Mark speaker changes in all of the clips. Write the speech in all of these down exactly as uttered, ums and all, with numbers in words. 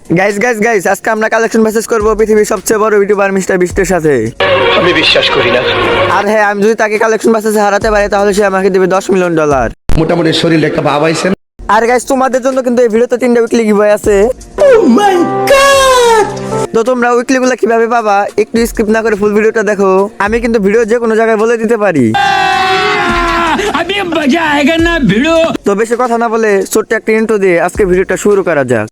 Speaker 1: Guys guys guys আজকে আমরা collection message করব পৃথিবীর সবচেয়ে বড় ইউটিউবার মিস্টার বিস্টের সাথে।
Speaker 2: আমি বিশ্বাস করি না।
Speaker 1: আর হ্যাঁ, আমি যদি তাকে কালেকশন মেসেজে হারাতে পারি তাহলে সে আমাকে দেবে দশ মিলিয়ন ডলার।
Speaker 3: মোটামুটি শরীরে একটা ভাব আইছেন।
Speaker 1: আর গাইস তোমাদের জন্য কিন্তু এই ভিডিওতে তিনটা উইকলি গিভওয়ে আছে। Oh my god! তো তোমরা উইকলি গুলো কিভাবে পাবা একটু স্কিপ না করে ফুল ভিডিওটা দেখো। আমি কিন্তু ভিডিও যে কোনো জায়গায় বলে দিতে পারি।
Speaker 4: अभी मजा आएगा ना भिड़ो।
Speaker 1: তো বেশি কথা না বলে ছোট্ট একটা ইন্ট্রো দিয়ে আজকে ভিডিওটা শুরু করা যাক।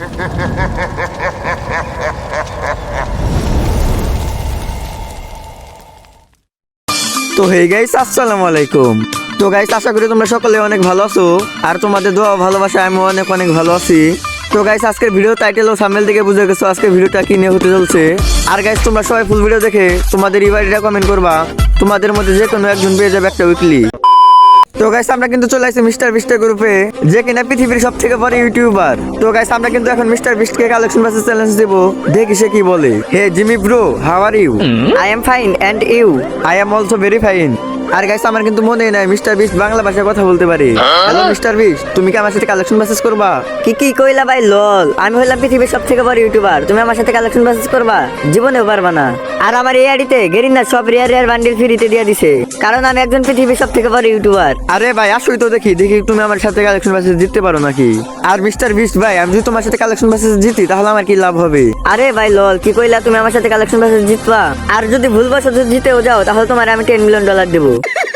Speaker 1: তো হে গাইস, আসসালামু আলাইকুম। তো গাইস, আশা করি তোমরা সকলে অনেক ভালো আছো আর তোমাদের দোয়া ভালোবাসা আমি অনেক অনেক ভালো আছি। তো গাইস, আজকের ভিডিও টাইটেল ও থাম্বনেল থেকে বুঝে গেছো আজকে ভিডিওটা কি নিয়ে হতে চলছে। আর গাইস, তোমরা সবাই ফুল ভিডিও দেখে তোমাদের ইবাইডিটা কমেন্ট করবা, তোমাদের মধ্যে যে কোনো একজন পেয়ে যাবে একটা উইকলি। তো গাইস, আমরা কিন্তু চলে আসছি মিস্টার বিস্টের গ্রুপে, যে কিনা পৃথিবীর সব থেকে বড় ইউটিউবার। তো গাইস, আমরা কিন্তু এখন মিস্টার বিস্টকে কালেকশন মেসেজ চ্যালেঞ্জ দেব, দেখি সে কি বলে। Hey Jimmy bro, how are you? I am fine and you? I am also very fine. আর গাইস, আমার কিন্তু মনে নাই মিস্টার বিস্ট বাংলা ভাষায় কথা বলতে পারে। হ্যালো মিস্টার বিস্ট, তুমি কি আমার সাথে কালেকশন মেসেজ করবা?
Speaker 5: কি কি কইলা ভাই? লল, আমি হইলাম পৃথিবীর সব থেকে বড় ইউটিউবার, তুমি আমার সাথে কালেকশন মেসেজ করবা? জীবনেও পারবা না। আর আমার এই আইডিতে গেরিনা সব রিয়ার রিয়ার বান্ডিল ফ্রিতে দিয়ে দিছে, কারণ আমি একজন পৃথিবীর সব থেকে বড় ইউটিউবার।
Speaker 1: আরে ভাই আসোই তো দেখি দেখি তুমি আমার সাথে কালেকশন মেসেজ জিততে পারো নাকি। আর মিস্টার বিস্ট ভাই, আমি যদি তোমার সাথে কালেকশন মেসেজ জিতি তাহলে আমার কি লাভ হবে?
Speaker 5: আরে ভাই লল, কি কইলা? তুমি আমার সাথে কালেকশন মেসেজ জিতবা, আর যদি ভুলবশত জিতেও যাও তাহলে তোমার আমি টেন মিলিয়ন ডলার দেবো।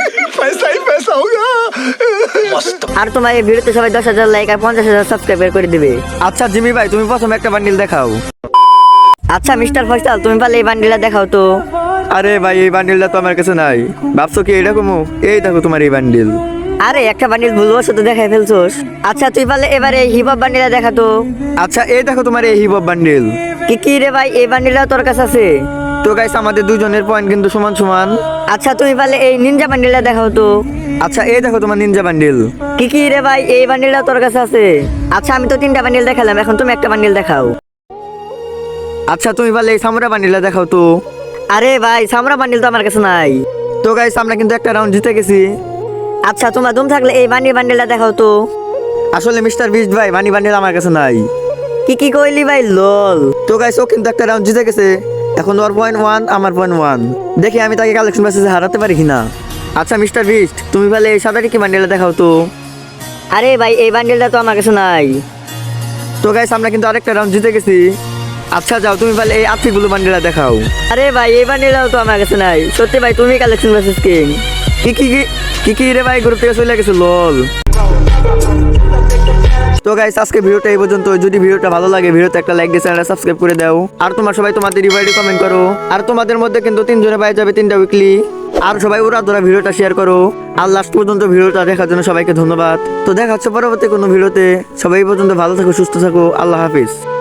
Speaker 5: আর তোমার এই ভিডিওতে সবাই দশ হাজার লাইক আর পঞ্চাশ হাজার সাবস্ক্রাইবার করে দিবে।
Speaker 1: আচ্ছা জিমি ভাই, তুমি প্রথমে একটা বান্ডিল দেখাও।
Speaker 5: আচ্ছা মিস্টার ফয়সাল, তুমি পারলে এই বান্ডিলটা দেখাও তো।
Speaker 1: আরে ভাই, এই বান্ডিলটা তো আমার কাছে নাই। ভাবছো কি এরকম? এই দেখো তোমার এই বান্ডিল।
Speaker 5: আরে একটা বান্ডিল ভুলবশত দেখাই ফেলছোস। আচ্ছা তুই পারলে এবারে এই হিপ হপ বান্ডিলটা দেখা তো।
Speaker 1: আচ্ছা এই দেখো তোমার এই হিপ হপ বান্ডিল।
Speaker 5: কি কি রে ভাই, এই বান্ডিলটা তোর কাছে আছে?
Speaker 1: তো গাইস, আমাদের দুজনের পয়েন্ট কিন্তু সমান সমান।
Speaker 5: আচ্ছা তুমি পারলে এই নিনজা বান্ডিলটা দেখাও তো।
Speaker 1: আচ্ছা এই দেখো তোমার নিনজা বান্ডিল।
Speaker 5: কি কি রে ভাই, এই বান্ডিলটা তোর কাছে আছে? আচ্ছা আমি তো তিনটা বান্ডিল দেখালাম, এখন তুমি একটা বান্ডিল দেখাও।
Speaker 1: আচ্ছা তুমি পারলে এই সামুরা বান্ডিলটা দেখাও তো।
Speaker 5: আরে ভাই, সামরা বান্ডিল তো আমার কাছে নাই।
Speaker 1: তো গাইস, আমরা কিন্তু একটা রাউন্ড জিতে গেছি।
Speaker 5: আচ্ছা তোমার দম থাকলে এই বান্ডিল বান্ডিলটা দেখাও তো।
Speaker 1: আসলে মিস্টার বিস্ট ভাই, মানি বান্ডিল আমার কাছে নাই।
Speaker 5: কি কি কইলি ভাই? লল।
Speaker 1: তো গাইস, ও কিন্তু একটা রাউন্ড জিতে গেছে। এখন ওর পয়েন্ট ওয়ান, আমার পয়েন্ট ওয়ান। দেখি আমি তাকে কালেকশন মেসেজে হারাতে পারি কিনা। আচ্ছা মিস্টার বিস্ট, তুমি পারলে এই সাদাটি কি বান্ডিলটা দেখাও তো।
Speaker 5: আরে ভাই, এই বান্ডিলটা তো আমার কাছে নাই।
Speaker 1: তো গাইস, আমরা কিন্তু আরেকটা রাউন্ড জিতে গেছি। আচ্ছা যাও, তুমি পারলে এই আফিগুলো বান্ডিলটা দেখাও।
Speaker 5: আরে ভাই, এই বান্ডিলটাও তো আমার কাছে নাই। সত্যি ভাই, তুমি কালেকশন মেসেজ কিং।
Speaker 1: কি কি কি কি কি রে ভাই, গ্রুপ থেকে চলে গেছে লল। তো গাইস, আজকে ভিডিওটা এই পর্যন্ত। যদি ভিডিওটা ভালো লাগে ভিডিওতে একটা লাইক দিয়ে চ্যানেলটা সাবস্ক্রাইব করে দাও। আর তোমার সবাই তোমাদের রিভাইডে কমেন্ট করো। আর তোমাদের মধ্যে কিন্তু তিনজনে পাই যাবে তিনটা উইকলি। আর সবাই ওরা ধরা ভিডিওটা শেয়ার করো। আর লাস্ট পর্যন্ত ভিডিওটা দেখার জন্য সবাইকে ধন্যবাদ। তো দেখা হচ্ছে পরবর্তী কোনো ভিডিওতে। সবাই এই পর্যন্ত ভালো থাকো, সুস্থ থাকো। আল্লাহ হাফিজ।